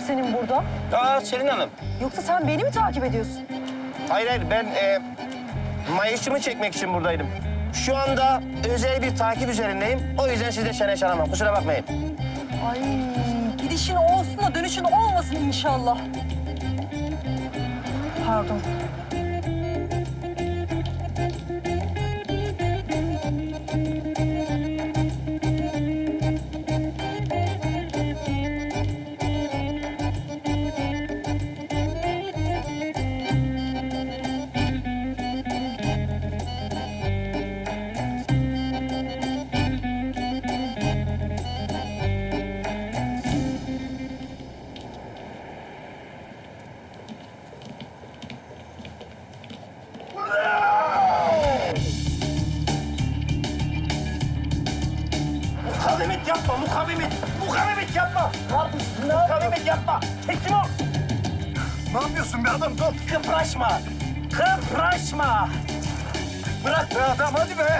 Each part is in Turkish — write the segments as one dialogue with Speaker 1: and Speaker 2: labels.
Speaker 1: senin burada?
Speaker 2: Selin Hanım.
Speaker 1: Yoksa sen beni mi takip ediyorsun?
Speaker 2: Hayır, ben mayışımı çekmek için buradaydım. Şu anda özel bir takip üzerindeyim. O yüzden sizle çene çalamam. Kusura bakmayın.
Speaker 1: Ay gidişin olsun da dönüşün olmasın inşallah. Pardon.
Speaker 2: Mukavemet yapma, mukavemet. Mukavemet yapma. Mukavemet yapma. Teslim ol.
Speaker 3: Ne yapıyorsun be adam? Dur.
Speaker 2: Kıpraşma. Kıpraşma.
Speaker 3: Bırak be adam, hadi be.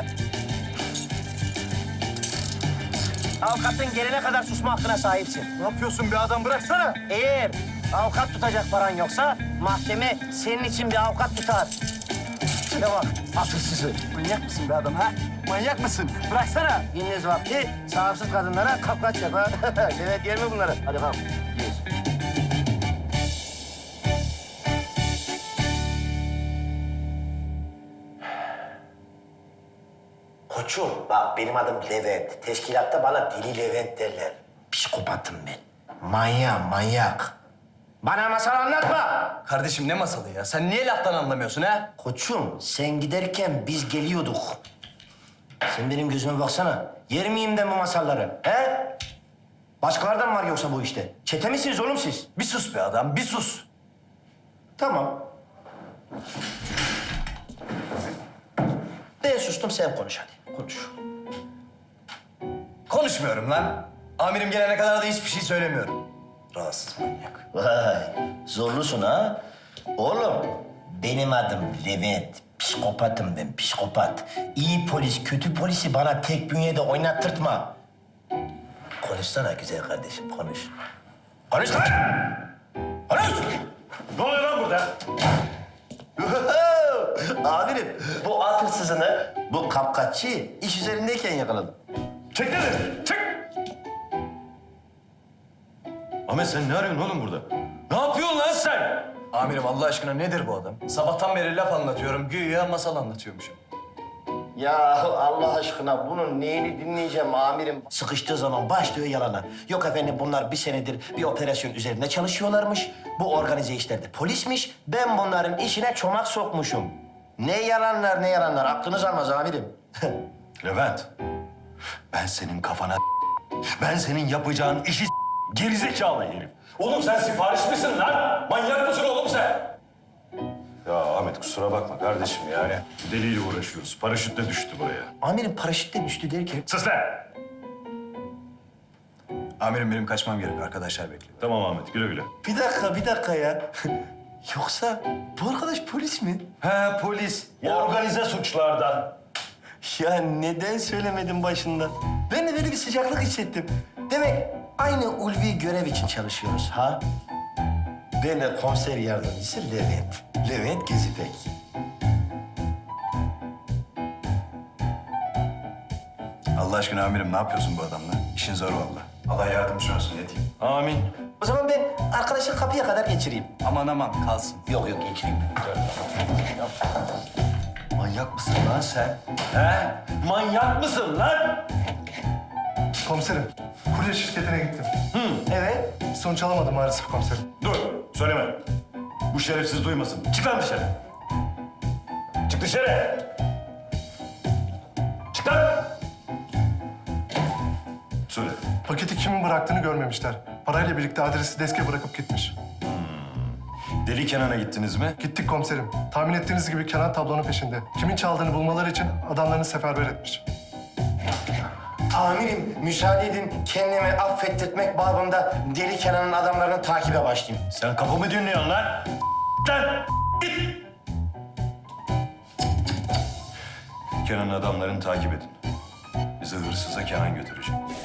Speaker 2: Avukatın gelene kadar susma hakkına sahipsin.
Speaker 3: Ne yapıyorsun be adam? Bıraksana.
Speaker 2: Eğer avukat tutacak paran yoksa mahkeme senin için bir avukat tutar. Şuna bak, akılsızı.
Speaker 3: Manyak mısın be adam ha? Manyak mısın?
Speaker 2: Bıraksana. Gündüz vakti sahipsiz kadınlara kapkaç yap ha. Evet, yer mi bunları? Hadi kalk. Gidiyoruz. Koçum, bak benim adım Levent. Teşkilatta bana Deli Levent derler. Psikopatım ben. Manyak. Bana masal anlatma.
Speaker 4: Kardeşim ne masalı ya? Sen niye laftan anlamıyorsun ha?
Speaker 2: Koçum, sen giderken biz geliyorduk. Sen benim gözüme baksana. Yer miyim ben bu masalları? He? Başkalardan mı var yoksa bu işte? Çete misiniz oğlum siz?
Speaker 4: Bir sus be adam, bir sus.
Speaker 2: Tamam. Ben sustum, sen konuş hadi. Konuş.
Speaker 4: Konuşmuyorum lan. Amirim gelene kadar da hiçbir şey söylemiyorum. Rahatsız manyak.
Speaker 2: Vay, zorlusun ha. Oğlum, benim adım Levent. Psikopatım ben, psikopat. İyi polis, kötü polisi bana tek bünyede oynattırtma. Konuşsana güzel kardeşim, konuş. Konuş lan! Konuş!
Speaker 3: Ne oluyor lan burada?
Speaker 2: Amirim, bu at hırsızını, bu kapkaççıyı iş üzerindeyken yakaladım.
Speaker 3: Çek dedi, çek! Ahmet sen ne arıyorsun oğlum burada? Ne yapıyorsun lan sen?
Speaker 4: Amirim Allah aşkına nedir bu adam? Sabahtan beri laf anlatıyorum, güya masal anlatıyormuşum.
Speaker 2: Ya Allah aşkına bunun neyini dinleyeceğim amirim? Sıkıştığı zaman başlıyor yalana. Yok efendim bunlar bir senedir bir operasyon üzerinde çalışıyorlarmış. Bu organize işlerde polismiş. Ben bunların işine çomak sokmuşum. Ne yalanlar aklınız almaz amirim.
Speaker 3: Levent, ben senin kafana ben senin yapacağın işi gerizekalı herif. Oğlum sen sipariş misin lan? Manyak mısın oğlum sen? Ya Ahmet kusura bakma kardeşim yani. Deliyle uğraşıyoruz. Paraşütle düştü buraya.
Speaker 2: Amirim paraşütle düştü derken...
Speaker 3: Sus lan!
Speaker 4: Amirim benim kaçmam gerek, arkadaşlar bekliyor.
Speaker 3: Tamam Ahmet güle güle.
Speaker 2: Bir dakika ya. Yoksa bu arkadaş polis mi?
Speaker 3: He polis. Organize suçlardan.
Speaker 2: Ya neden söylemedin başında? Ben de böyle bir sıcaklık hissettim. Demek aynı ulvi görev için çalışıyoruz ha? Ben de komiser yardımcısı Levent. Levent Gezipek.
Speaker 4: Allah aşkına amirim ne yapıyorsun bu adamla? İşin zor vallahi. Allah yardımcın olsun ne diyeyim.
Speaker 3: Amin.
Speaker 2: O zaman ben arkadaşı kapıya kadar geçireyim.
Speaker 4: Aman kalsın.
Speaker 2: Yok geçireyim.
Speaker 3: Manyak mısın lan sen? He? Manyak mısın lan?
Speaker 5: Komiserim, kurye şirketine gittim.
Speaker 2: Evet.
Speaker 5: Sonuç alamadım maalesef komiserim.
Speaker 3: Dur, söyleme. Bu şerefsiz duymasın. Çık lan dışarı. Çık dışarı. Çık lan. Söyle.
Speaker 5: Paketi kimin bıraktığını görmemişler. Parayla birlikte adresi deske bırakıp gitmiş.
Speaker 3: Deli Kenan'a gittiniz mi?
Speaker 5: Gittik komiserim. Tahmin ettiğiniz gibi Kenan tablonun peşinde. Kimin çaldığını bulmaları için adamlarını seferber etmiş.
Speaker 2: Amirim müsaade edin kendimi affettirmek babında Deli Kenan'ın adamlarını takibe başlayayım.
Speaker 3: Sen kapımı dinliyorsun lan. Lan git. Kenan'ın adamlarını takip edin. Bizi hırsıza Kenan götürecek.